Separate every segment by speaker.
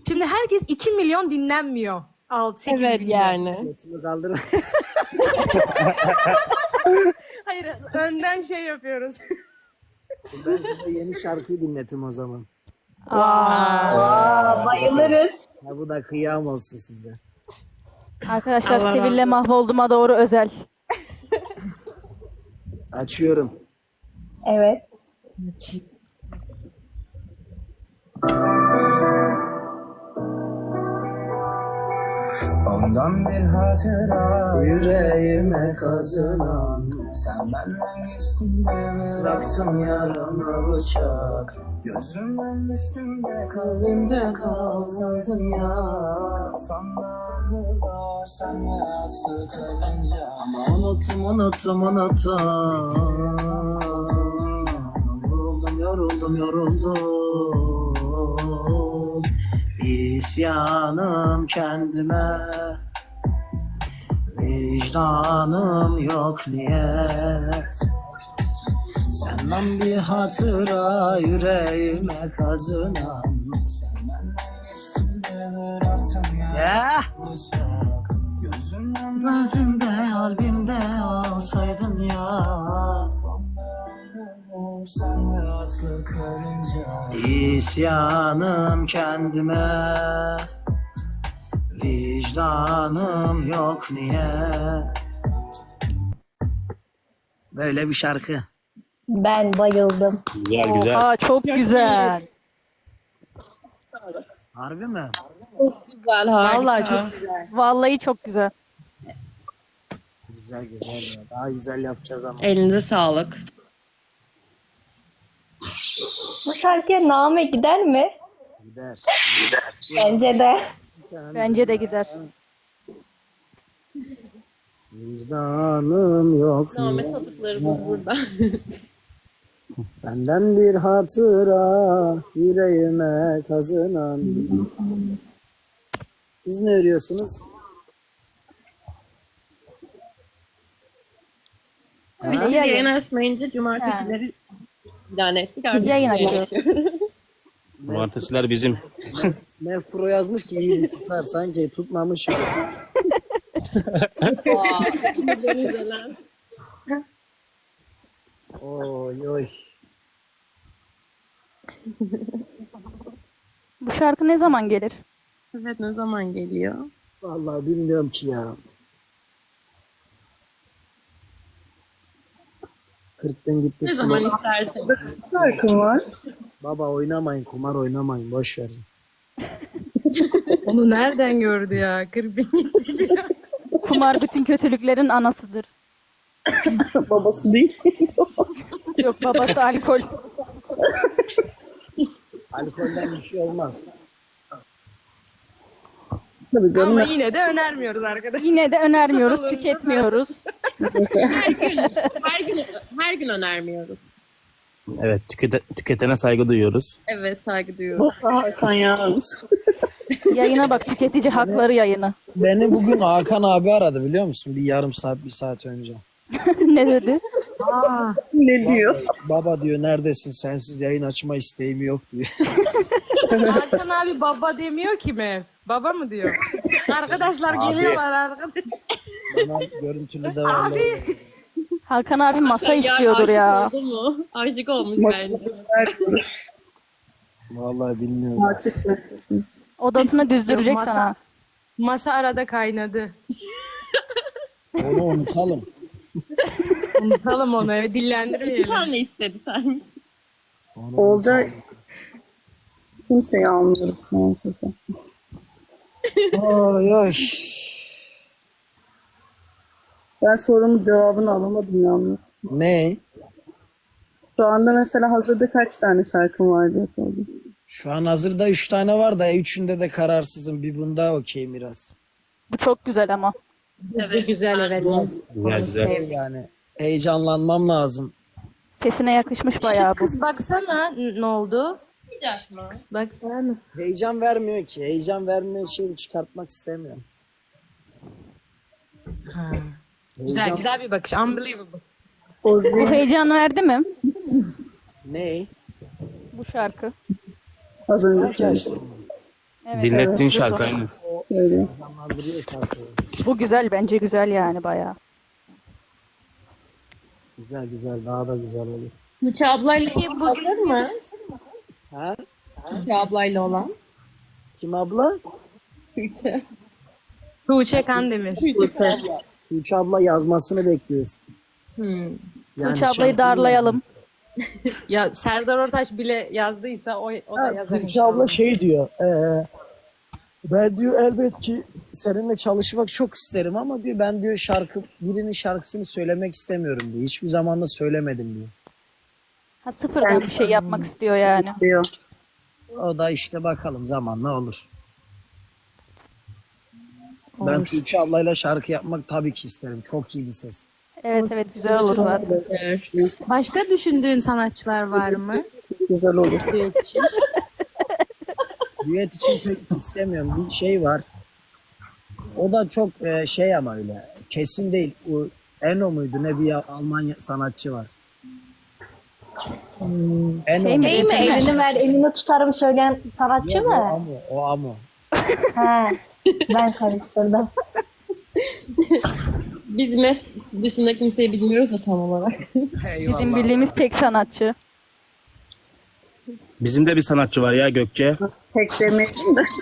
Speaker 1: Şimdi herkes 2 milyon dinlenmiyor. 6-8
Speaker 2: Evet
Speaker 1: günde.
Speaker 2: yani.
Speaker 3: Götümü kaldırma.
Speaker 1: Hayır, önden şey yapıyoruz.
Speaker 3: Ben size yeni şarkıyı dinletim o zaman.
Speaker 4: Bayılırız.
Speaker 3: Ha, bu da kıyam olsun size.
Speaker 5: Arkadaşlar
Speaker 1: Allah
Speaker 5: Sevil'le
Speaker 1: razı
Speaker 5: mahvolduğuma doğru özel.
Speaker 3: Açıyorum.
Speaker 4: Evet.
Speaker 6: Ondan bir hatıra
Speaker 3: Yüreğime kazınan
Speaker 6: Sen benden geçtin de bıraktın yarama bıçak Gözümden düştün de kalbimde kalsaydın ya Kafamda anılar sen ve aslı kalınca
Speaker 3: ama unuttum. Yoruldum. İsyanım kendime, vicdanım yok niyet. Senden bir hatıra yüreğime kazınan.
Speaker 6: Sen benden geçtin de bıraktın yarama
Speaker 3: Ya!
Speaker 6: bıçak Gözümden
Speaker 3: Gözümde kalbimde olsaydın ya.
Speaker 6: sen ve aslı karınca
Speaker 3: İsyanım kendime, vicdanım yok niye? Böyle bir şarkı.
Speaker 4: Ben bayıldım.
Speaker 7: Güzel güzel.
Speaker 5: Aa çok güzel.
Speaker 3: Harbi mi?
Speaker 2: Güzel, harika.
Speaker 1: Vallahi çok güzel.
Speaker 5: Vallahi çok güzel.
Speaker 3: Güzel ya. Daha güzel yapacağız ama.
Speaker 2: Elinize sağlık.
Speaker 4: Bu şarkıya name gider mi?
Speaker 3: Gider.
Speaker 4: Bence de.
Speaker 5: Bence de gider.
Speaker 3: Vicdanım yok
Speaker 2: Name
Speaker 3: niye?
Speaker 2: sapıklarımız burada.
Speaker 3: Senden bir hatıra yüreğime kazınan. Siz ne örüyorsunuz?
Speaker 2: Biz yayın açmayınca cumartesileri ilan ettik. Artık
Speaker 5: Yayın açıyoruz.
Speaker 7: Cumartesiler bizim.
Speaker 3: Pro yazmış ki iyi bir tutar. Sanki tutmamış. Oy.
Speaker 5: Bu şarkı ne zaman gelir?
Speaker 2: Evet, ne zaman geliyor?
Speaker 3: Vallahi bilmiyorum ki ya. 40 bin gitti.
Speaker 2: Ne zaman istersen.
Speaker 4: Şarkım var.
Speaker 3: Baba oynamayın, kumar oynamayın. Boş verin.
Speaker 1: Onu nereden gördü ya? 40 bin gitti diyor.
Speaker 5: Kumar bütün kötülüklerin anasıdır.
Speaker 4: Babası değil.
Speaker 5: Yok babası alkol.
Speaker 3: Alkolden bir şey olmaz.
Speaker 1: Ama yine de önermiyoruz arkadaşlar.
Speaker 5: Yine de önermiyoruz, tüketmiyoruz.
Speaker 2: Her gün önermiyoruz.
Speaker 7: Evet tüketene saygı duyuyoruz.
Speaker 2: Evet, saygı duyuyoruz.
Speaker 4: Hakan ya.
Speaker 5: Yayına bak, tüketici hakları yayını.
Speaker 3: Beni bugün Hakan abi aradı biliyor musun? Bir yarım saat, bir saat önce.
Speaker 5: Ne dedi?
Speaker 4: Ne diyor?
Speaker 3: Baba diyor neredesin? Sensiz yayın açma isteğim yok diyor.
Speaker 1: Hakan abi baba demiyor ki mi? Baba mı diyor? Arkadaşlar geliyorlar arkadaşlar.
Speaker 3: Bana görüntülü de var.
Speaker 1: Abi.
Speaker 5: Hakan abi masa istiyordur ya.
Speaker 2: Aşık oldu mu? Aşık olmuş bence.
Speaker 3: Vallahi bilmiyorum.
Speaker 5: Odasını düzdürecek
Speaker 1: Yok, masa-
Speaker 5: sana.
Speaker 1: Masa arada kaynadı.
Speaker 3: Onu unutalım.
Speaker 1: Unutalım onu,
Speaker 2: İki
Speaker 1: dillendirmeyelim.
Speaker 2: tane istedi sen.
Speaker 3: Onu
Speaker 4: Olca kimseyi almıyoruz şu an sesi.
Speaker 3: Oy.
Speaker 4: Ben sorumun cevabını alamadım yalnız.
Speaker 3: Ne?
Speaker 4: Şu anda mesela hazırda kaç tane şarkım var diye sordum.
Speaker 3: Şu an hazırda 3 tane var da 3'ünde de kararsızım. Bir bunda okeyim biraz.
Speaker 5: Bu çok güzel ama.
Speaker 2: Evet.
Speaker 1: Güzel evet.
Speaker 7: Güzel.
Speaker 3: Yani heyecanlanmam lazım.
Speaker 5: Sesine yakışmış bayağı bu.
Speaker 1: Kız baksana ne oldu?
Speaker 2: Olmayacak mı?
Speaker 1: Baksana.
Speaker 3: Heyecan vermiyor ki. Heyecan vermeyen şeyi çıkartmak istemiyorum. Heyecan...
Speaker 1: Güzel bir bakış. Unbelievable.
Speaker 5: Bu heyecan verdi mi?
Speaker 3: Ne?
Speaker 4: Az
Speaker 5: Bu şarkı.
Speaker 4: önce
Speaker 3: Belki
Speaker 4: söyledim.
Speaker 3: açtım.
Speaker 5: Evet,
Speaker 7: Dinlettiğin
Speaker 5: evet.
Speaker 7: şarkı aynı.
Speaker 4: Öyle.
Speaker 3: Canlandırıyor şarkıyı.
Speaker 5: Bu güzel, bence güzel yani bayağı.
Speaker 3: Güzel güzel, daha da güzel olur.
Speaker 2: Tuğçe ablayla
Speaker 1: Peki bugün
Speaker 2: hazır mı?
Speaker 3: Ha?
Speaker 2: Tuğçe ablayla olan.
Speaker 3: Kim abla?
Speaker 2: Tuğçe.
Speaker 1: Tuğçe Kandemir.
Speaker 3: Tuğçe abla yazmasını bekliyoruz.
Speaker 2: Hmm.
Speaker 5: Tuğçe ablayı
Speaker 3: şarkıyı
Speaker 5: darlayalım.
Speaker 1: Ya Serdar Ortaç bile yazdıysa o da
Speaker 3: Ha,
Speaker 1: yazar.
Speaker 3: Tuğçe abla şey diyor. Ben diyor elbet ki seninle çalışmak çok isterim ama diyor ben diyor birinin şarkısını söylemek istemiyorum diyor. Hiçbir zaman da söylemedim diyor.
Speaker 5: Ha, sıfırdan bir şey yapmak istiyor yani.
Speaker 4: Diyor.
Speaker 3: O da işte bakalım zamanla olur. Ben Tuğçe ablayla şarkı yapmak tabii ki isterim. Çok iyi bir ses.
Speaker 5: Evet evet, güzel olur zaten.
Speaker 1: Başka düşündüğün sanatçılar var mı?
Speaker 4: Güzel olur.
Speaker 1: Düet için.
Speaker 3: Düet için pek istemiyorum. Bir şey var. O da çok şey ama öyle. Kesin değil. O Eno muydu? Ne bir Alman sanatçı var. Eno
Speaker 5: Şey mi?
Speaker 3: mu?
Speaker 8: Şey mi? Elini ver, elini tutarım söyleyen sanatçı
Speaker 3: Yok, o
Speaker 8: mı?
Speaker 3: Amo. O Amo.
Speaker 8: He. Ben karıştırdım.
Speaker 2: Biz MEF dışında kimseyi bilmiyoruz da tam olarak.
Speaker 5: Bizim bildiğimiz tek sanatçı.
Speaker 7: Bizim de bir sanatçı var ya, Gökçe.
Speaker 4: Tek demeyelim de.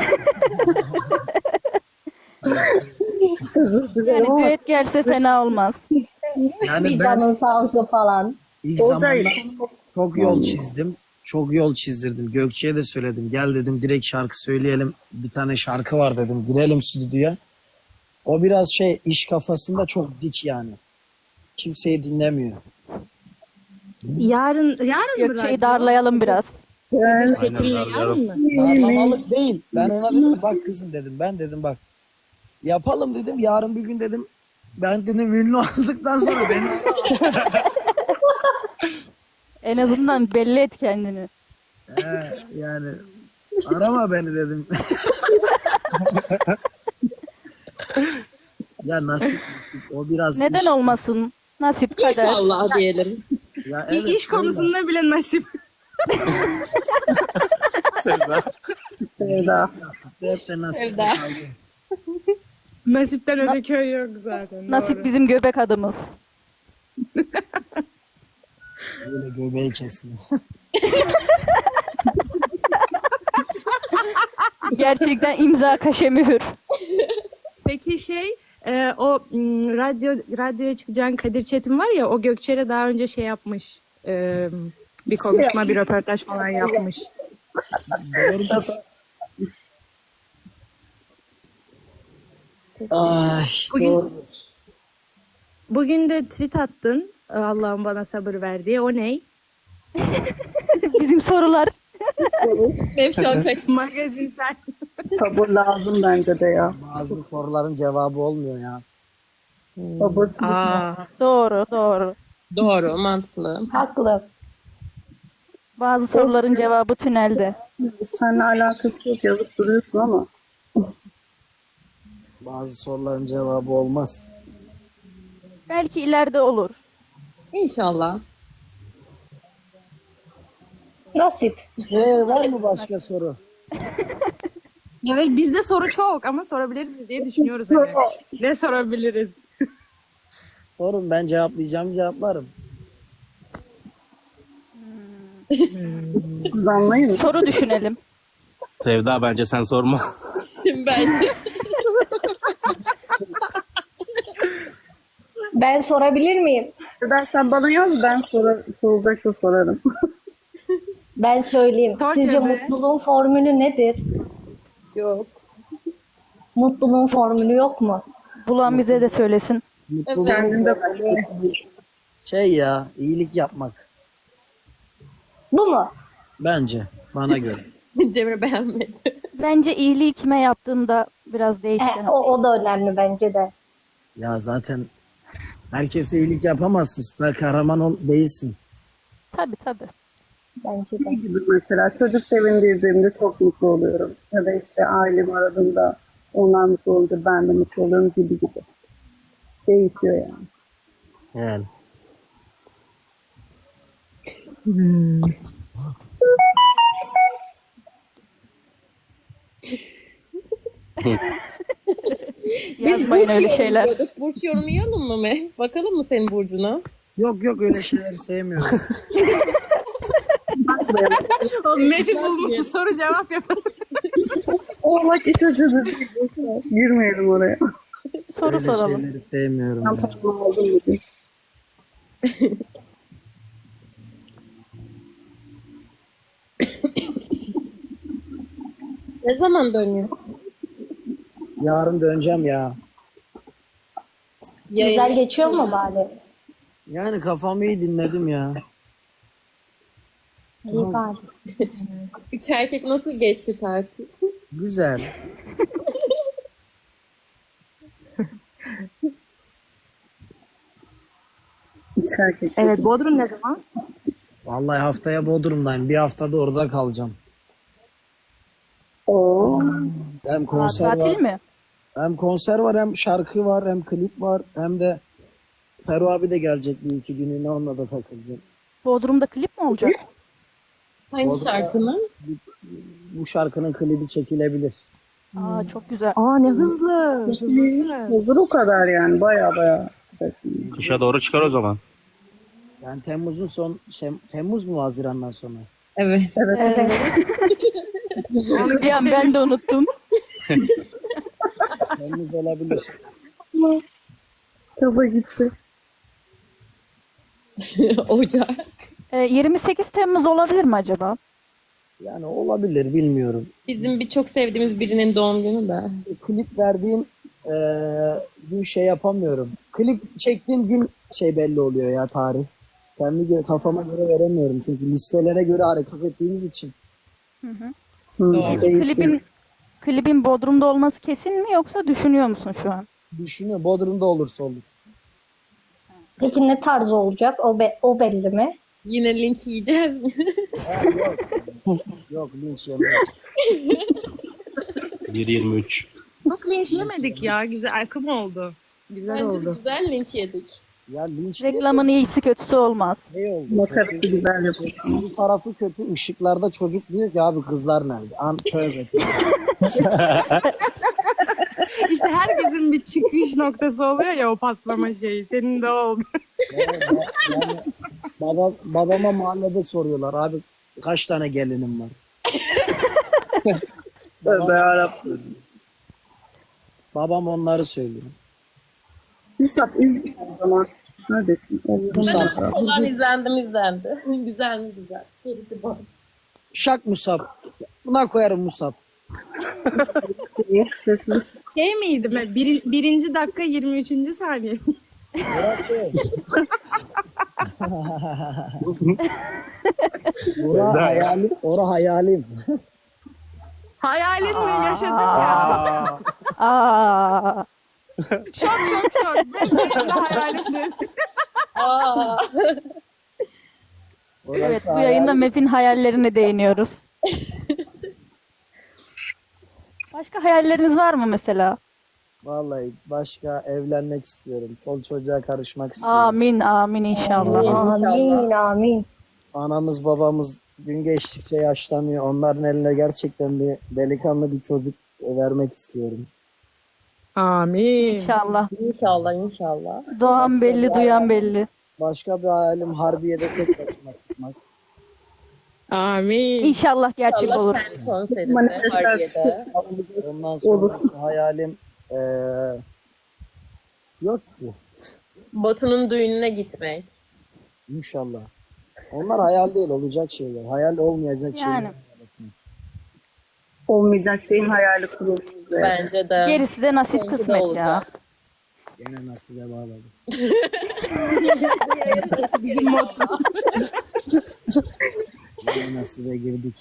Speaker 4: Özür dilerim
Speaker 5: Yani
Speaker 4: ama
Speaker 5: düet gelse fena olmaz.
Speaker 3: Yani
Speaker 8: Bir
Speaker 3: ben
Speaker 8: canın sağ olsun falan.
Speaker 3: ilk
Speaker 4: Olcay.
Speaker 3: zamanlar çok yol çizdim. Çok yol çizdirdim. Gökçe'ye de söyledim. Gel dedim direkt şarkı söyleyelim. Bir tane şarkı var dedim. Girelim stüdyoya. O biraz şey iş kafasında çok dik yani. Kimseyi dinlemiyor.
Speaker 1: Yarın
Speaker 5: Gökçe'yi darlayalım biraz.
Speaker 4: ben
Speaker 7: Aynen, darlıyorum.
Speaker 3: Darlamalık değil. Ben ona dedim bak kızım dedim. Ben dedim bak. Yapalım dedim. Yarın bir gün dedim. Ben dedim ünlü olduktan sonra beni
Speaker 5: En azından belli et kendini.
Speaker 3: yani arama beni dedim. Ya nasip o biraz
Speaker 5: Neden
Speaker 3: iş.
Speaker 5: olmasın? Nasip kader.
Speaker 2: İnşallah diyelim.
Speaker 3: Ya evet,
Speaker 1: iş konusunda bile nasip.
Speaker 4: Sevda.
Speaker 3: Hep de nasip.
Speaker 2: Sevda.
Speaker 1: Nasipten öte köy yok zaten.
Speaker 5: Nasip
Speaker 1: doğru.
Speaker 5: bizim göbek adımız.
Speaker 3: Böyle göbeği kesin.
Speaker 5: Gerçekten imza kaşe mühür.
Speaker 1: Peki radyoya çıkacağın Kadir Çetin var ya, o Gökçe'yle daha önce şey yapmış. Bir konuşma, bir röportaj falan yapmış.
Speaker 3: Ay
Speaker 1: Bugün-
Speaker 3: doğru.
Speaker 1: Bugün de tweet attın. Allah'ım bana sabır ver diye. O ne?
Speaker 5: Bizim sorular.
Speaker 2: MEF şu an pek
Speaker 1: Magazinsel.
Speaker 4: Sabır lazım bence de ya.
Speaker 3: Bazı soruların cevabı olmuyor ya.
Speaker 4: Sabır.
Speaker 5: Doğru doğru.
Speaker 2: doğru, mantıklı.
Speaker 8: Haklı.
Speaker 5: Bazı soruların cevabı tünelde.
Speaker 4: Seninle alakası yok yazıp duruyorsun ama.
Speaker 3: Bazı soruların cevabı olmaz.
Speaker 5: Belki ileride olur.
Speaker 2: İnşallah.
Speaker 8: Nasip.
Speaker 3: Var mı başka soru?
Speaker 1: Evet, bizde soru çok ama sorabiliriz diye düşünüyoruz. Hani. Ne sorabiliriz?
Speaker 3: Sorun ben cevaplarım.
Speaker 4: Siz anlayın.
Speaker 5: Soru düşünelim.
Speaker 7: Sevda bence sen sorma.
Speaker 2: Ben
Speaker 8: Ben sorabilir miyim?
Speaker 4: Sen bana yaz ben sorulacaksa sorarım.
Speaker 8: Ben söyleyeyim.
Speaker 1: Sor
Speaker 8: Sizce
Speaker 1: tabii.
Speaker 8: mutluluğun formülü nedir?
Speaker 2: yok.
Speaker 8: Mutluluğun formülü yok mu?
Speaker 5: Bulan bize de söylesin.
Speaker 4: Kendinde
Speaker 3: Şey ya iyilik yapmak.
Speaker 8: Bu mu?
Speaker 3: Bence bana göre.
Speaker 2: Cemre beğenmedi.
Speaker 5: Bence iyiliği kime yaptığında biraz değişken.
Speaker 8: O da önemli bence de.
Speaker 3: Ya zaten herkese iyilik yapamazsın. Süper kahraman değilsin.
Speaker 5: Tabii tabii.
Speaker 8: Bence de.
Speaker 4: gibi mesela çocuk sevindirdiğimde çok mutlu oluyorum. Ya da işte ailemi aradığımda onlar mutlu olunca ben de mutlu oluyorum gibi gibi. Değişiyor yani.
Speaker 7: Yani.
Speaker 5: Yazmayın öyle şeyler.
Speaker 2: Burç yorumlayalım mı Meh? Bakalım mı senin burcuna?
Speaker 3: Yok yok öyle şeyleri sevmiyorum.
Speaker 1: Oğlum Mefi bulmuş soru cevap yapalım.
Speaker 4: Olmak iç açıcı. Girmeyelim oraya.
Speaker 5: Soru
Speaker 3: Öyle
Speaker 5: soralım.
Speaker 3: şeyleri sevmiyorum.
Speaker 4: Ben
Speaker 3: ya.
Speaker 4: tamam aldım bugün.
Speaker 2: Ne zaman dönüyorsun?
Speaker 3: Yarın döneceğim ya.
Speaker 8: Güzel geçiyor mu bari?
Speaker 3: Yani kafamı iyi dinledim ya.
Speaker 8: İyi bari.
Speaker 2: Üç erkek nasıl geçti tatil?
Speaker 3: Güzel.
Speaker 4: İç erkek.
Speaker 1: Evet, Bodrum ne zaman?
Speaker 3: Vallahi haftaya Bodrum'dayım. Bir haftada orada kalacağım.
Speaker 4: Oo.
Speaker 3: Hem
Speaker 5: Aa,
Speaker 3: konser var.
Speaker 5: tatil mi?
Speaker 3: Hem konser var, hem şarkı var, hem klip var, hem de Ferro abi de gelecek bir iki gününe, onunla da takılacağım.
Speaker 5: Bodrum'da klip mi olacak?
Speaker 2: Hangi
Speaker 3: Orada-
Speaker 2: şarkının?
Speaker 3: Bu şarkının klibi çekilebilir.
Speaker 5: Aa, çok güzel.
Speaker 1: Aa ne hızlı. Hızlı.
Speaker 4: Hazır o kadar yani. Baya.
Speaker 7: Kışa doğru çıkar o zaman.
Speaker 3: Yani Temmuz'un Temmuz mu Haziran'dan sonra?
Speaker 2: Evet.
Speaker 5: Evet. Bir an ben de unuttum.
Speaker 3: Temmuz olabilir.
Speaker 4: Kafa gitti.
Speaker 2: Ocak.
Speaker 5: 28 Temmuz olabilir mi acaba?
Speaker 3: Yani olabilir, bilmiyorum.
Speaker 2: Bizim bir çok sevdiğimiz birinin doğum günü de.
Speaker 3: Klip verdiğim gün şey yapamıyorum. Klip çektiğim gün belli oluyor ya, tarih. Kendi kafama göre veremiyorum çünkü listelere göre hareket ettiğimiz için.
Speaker 4: Değişiyor.
Speaker 5: Klibin Bodrum'da olması kesin mi yoksa düşünüyor musun şu an?
Speaker 3: Düşünüyorum, Bodrum'da olursa olur.
Speaker 8: Peki ne tarz olacak? O belli mi?
Speaker 2: Yine linç yiyeceğiz mi?
Speaker 3: Yok linç yemeyiz.
Speaker 7: 1.23.
Speaker 1: Çok linç yemedik ya. Güzel akım oldu. Güzel
Speaker 2: Bence
Speaker 1: oldu.
Speaker 2: güzel linç yedik.
Speaker 3: Ya linç
Speaker 5: Reklamın iyisi kötüsü olmaz.
Speaker 3: ne oldu?
Speaker 4: Makarası güzel yapıyor.
Speaker 3: Bir tarafı kötü. Işıklarda çocuk diyor ki abi kızlar nerede? Tövbe.
Speaker 1: İşte herkesin bir çıkış noktası oluyor ya, o patlama şeyi. Senin de o oldu.
Speaker 3: Yani babama mahallede soruyorlar abi kaç tane gelinim var?
Speaker 4: Tövbe yarabbim.
Speaker 3: Babam onları söylüyor.
Speaker 4: Musab izle o zaman. Neredesin?
Speaker 3: Musab.
Speaker 2: Olan izlendi. Güzel mi güzel. Gerisi bu.
Speaker 3: Şak Musab. Buna koyarım Musab.
Speaker 4: Sessiz.
Speaker 1: Şey miydi? Birinci dakika 23. saniye.
Speaker 3: Ora hayalim. Ora hayalim.
Speaker 1: Hayalin mi? Yaşadın ya.
Speaker 5: Aa,
Speaker 1: Şok. Ben de hayalim dedim.
Speaker 2: Aa.
Speaker 3: Orası
Speaker 5: evet, bu
Speaker 3: hayalim.
Speaker 5: yayında Mef'in hayallerine değiniyoruz. Başka hayalleriniz var mı mesela?
Speaker 3: Vallahi başka evlenmek istiyorum. Çol çocuğa karışmak istiyorum.
Speaker 5: Amin inşallah.
Speaker 8: Amin.
Speaker 3: Anamız babamız gün geçtikçe yaşlanıyor. Onların eline gerçekten bir delikanlı bir çocuk vermek istiyorum.
Speaker 1: Amin.
Speaker 5: İnşallah.
Speaker 2: İnşallah.
Speaker 5: Doğan belli, duyan belli.
Speaker 3: Başka bir hayalim Harbiye'de tek başıma tutmak.
Speaker 1: Amin.
Speaker 5: İnşallah gerçek
Speaker 2: Allah
Speaker 5: olur.
Speaker 2: kendi konserinde,
Speaker 4: Manifestasyon.
Speaker 2: Harbiye'de.
Speaker 3: Ondan sonra hayalim yok ki.
Speaker 2: Batu'nun düğününe gitmek.
Speaker 3: İnşallah. Onlar hayal değil, olacak şeyler. Hayal olmayacak
Speaker 5: Yani.
Speaker 3: şeyler.
Speaker 4: Olmayacak şeyin hayali kurulmuş.
Speaker 2: Bence de.
Speaker 5: Gerisi de nasip
Speaker 2: Seninki de
Speaker 5: kısmet ya.
Speaker 2: olacak.
Speaker 3: Gene nasibe bağladım.
Speaker 1: Bizim motto.
Speaker 3: Gene nasibe girdik.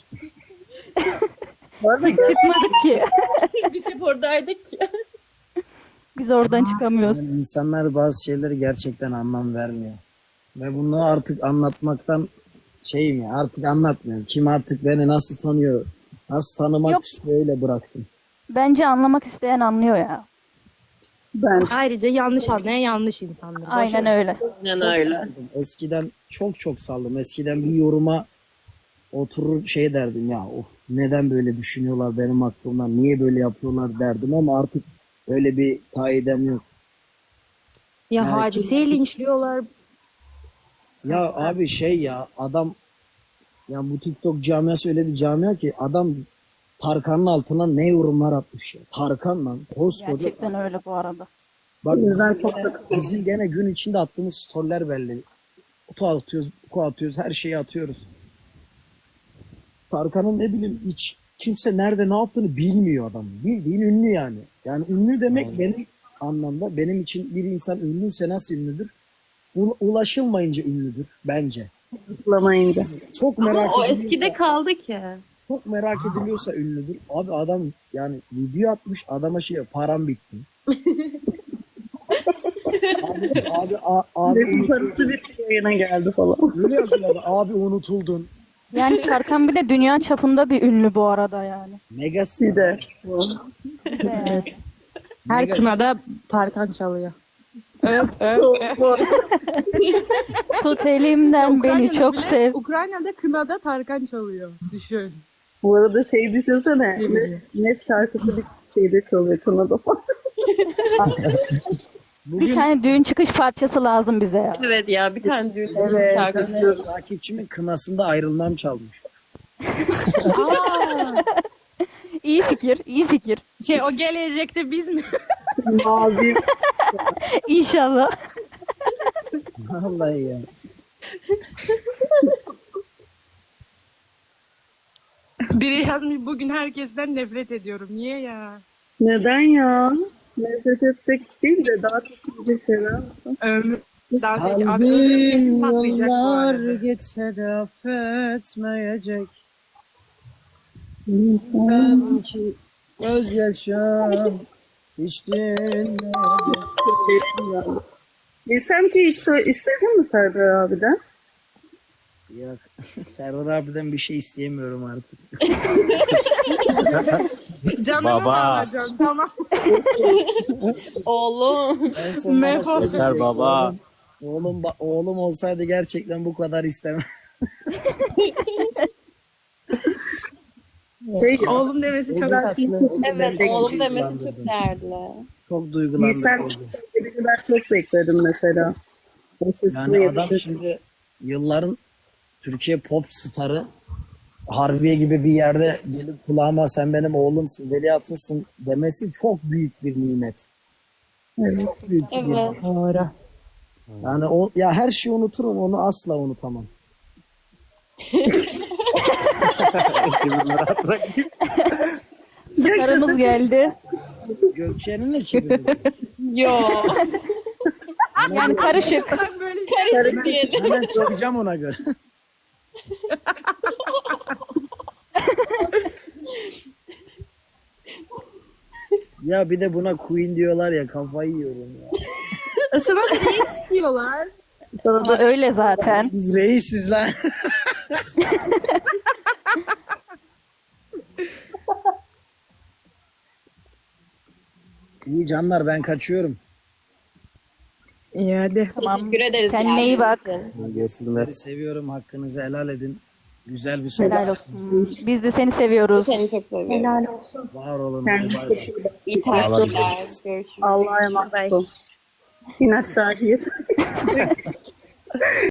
Speaker 5: Çıkmadık ki.
Speaker 2: Biz hep oradaydık.
Speaker 5: Biz oradan çıkamıyoruz.
Speaker 3: Yani insanlar bazı şeyleri gerçekten anlam vermiyor. Ve bunu artık anlatmaktan şeyim ya, artık anlatmıyorum. Kim artık beni nasıl tanıyor, nasıl tanımak
Speaker 5: Yok.
Speaker 3: istiyor, öyle bıraktım.
Speaker 5: Bence anlamak isteyen anlıyor ya.
Speaker 4: Ben
Speaker 1: Ayrıca yanlış anlayan yanlış insandır.
Speaker 5: Aynen öyle.
Speaker 2: Aynen
Speaker 3: Çok
Speaker 2: öyle.
Speaker 3: saldım. Eskiden çok saldım. Eskiden bir yoruma oturur şey derdim ya, of neden böyle düşünüyorlar benim hakkımdan, niye böyle yapıyorlar derdim ama artık öyle bir kaidem yok.
Speaker 1: Ya
Speaker 3: Yani
Speaker 1: Hadise'yi linçliyorlar.
Speaker 3: Ya abi şey ya adam, ya bu TikTok camiası öyle bir camia ki adam Tarkan'ın altına ne yorumlar atmış ya. Tarkan lan koskoca.
Speaker 5: Gerçekten öyle bu arada.
Speaker 3: Bak
Speaker 4: O yüzden
Speaker 3: bizim,
Speaker 4: çok
Speaker 3: gene, bizim gene gün içinde attığımız storyler belli. Kutu atıyoruz, kutu atıyoruz, her şeyi atıyoruz. Tarkan'ın ne bileyim hiç kimse nerede ne yaptığını bilmiyor adam. Bildiğin ünlü yani. Yani ünlü demek benim anlamda, benim için bir insan ünlüyse nasıl ünlüdür? Ulaşılmayınca ünlüdür bence.
Speaker 4: Bulamayınca.
Speaker 3: Çok merak
Speaker 2: O
Speaker 3: ediliyorsa,
Speaker 2: eskide kaldı ki.
Speaker 3: çok merak ediliyorsa ünlüdür. Abi adam yani video atmış, adama şey param bitti. abi
Speaker 4: Benim parası bir yayına geldi falan.
Speaker 3: öyle yazıyorlar, abi unutuldun.
Speaker 5: Yani Tarkan bir de dünya çapında bir ünlü bu arada yani.
Speaker 3: Megastar.
Speaker 4: Bir de.
Speaker 5: Evet.
Speaker 1: Her
Speaker 3: Mega-
Speaker 1: kınada Tarkan çalıyor.
Speaker 5: Tut elimden beni çok sev.
Speaker 1: Ukrayna'da kınada Tarkan çalıyor. Düşün.
Speaker 4: Bu arada şey düşünsene. Net şarkısı bir şeyde çalıyor kanada falan.
Speaker 5: Bir tane düğün çıkış parçası lazım bize ya.
Speaker 2: Evet ya bir tane düğün
Speaker 4: Evet.
Speaker 2: şarkısı.
Speaker 3: Takipçimin kınasında ayrılmam çalmış.
Speaker 5: İyi fikir, iyi fikir.
Speaker 1: Şey o gelecekte biz mi?
Speaker 4: Mazi.
Speaker 5: İnşallah.
Speaker 3: Vallahi ya.
Speaker 1: Biri yazmış bugün herkesten nefret ediyorum. Niye ya?
Speaker 4: Neden ya? Nefret edecek değil de daha seçilecek şeyler olsun.
Speaker 1: Ömür. Dans edecek. Abi ömür kesin patlayacak bu arada.
Speaker 3: geçse de affetmeyecek. Sanki gözyaşım hiç dinmeyecek.
Speaker 4: Bilsem ki hiç istedin mi Serdar abiden?
Speaker 3: Yok. Serdar abiden bir şey isteyemiyorum artık.
Speaker 1: Canımı
Speaker 7: Baba.
Speaker 1: alacağım tamam.
Speaker 2: Oğlum.
Speaker 3: En son bana
Speaker 1: Mefo.
Speaker 3: şey
Speaker 7: Yeter
Speaker 3: diyecek,
Speaker 7: baba.
Speaker 3: Oğlum olsaydı gerçekten bu kadar istemem.
Speaker 1: Oğlum demesi çok
Speaker 4: Güzel.
Speaker 1: tatlı.
Speaker 2: Evet oğlum demesi çok değerli.
Speaker 3: Çok duygulandım.
Speaker 4: Bilsem ki ben çok bekledim mesela. O sesini
Speaker 3: Yani adam
Speaker 4: yetişir.
Speaker 3: şimdi yılların Türkiye pop starı, Harbiye gibi bir yerde gelip kulağıma sen benim oğlumsun, veliahtımsın demesi çok büyük bir nimet.
Speaker 4: Evet.
Speaker 3: Çok büyük bir
Speaker 2: Evet.
Speaker 3: nimet.
Speaker 1: Doğru.
Speaker 3: Yani o ya her şeyi unuturum, onu asla unutamam.
Speaker 5: Sıkarımız geldi.
Speaker 3: Gökçe'nin ekibi.
Speaker 2: Yo.
Speaker 5: Yani karışık.
Speaker 2: Karışık diyelim.
Speaker 3: Hemen çıkacağım ona göre. Ya bir de buna Queen diyorlar ya, kafayı yiyorum ya.
Speaker 1: Sana da ne istiyorlar?
Speaker 5: Ama öyle zaten.
Speaker 3: Biz reisiz lan. İyi canlar, ben kaçıyorum.
Speaker 1: İyi hadi.
Speaker 2: Teşekkür ederiz.
Speaker 5: Kendine iyi bak.
Speaker 7: Görüşürüz.
Speaker 3: Sizi seviyorum, hakkınızı helal edin. Güzel bir sohbet.
Speaker 5: Helal olsun. Biz de seni seviyoruz.
Speaker 2: Seni çok seviyorum.
Speaker 8: Helal olsun.
Speaker 3: Var olun. Bay
Speaker 4: Kendinize
Speaker 3: bay.
Speaker 4: iyi bakın.
Speaker 2: İyi tatiller. Görüşürüz.
Speaker 4: Allah'a emanet olun. İn aşağı git.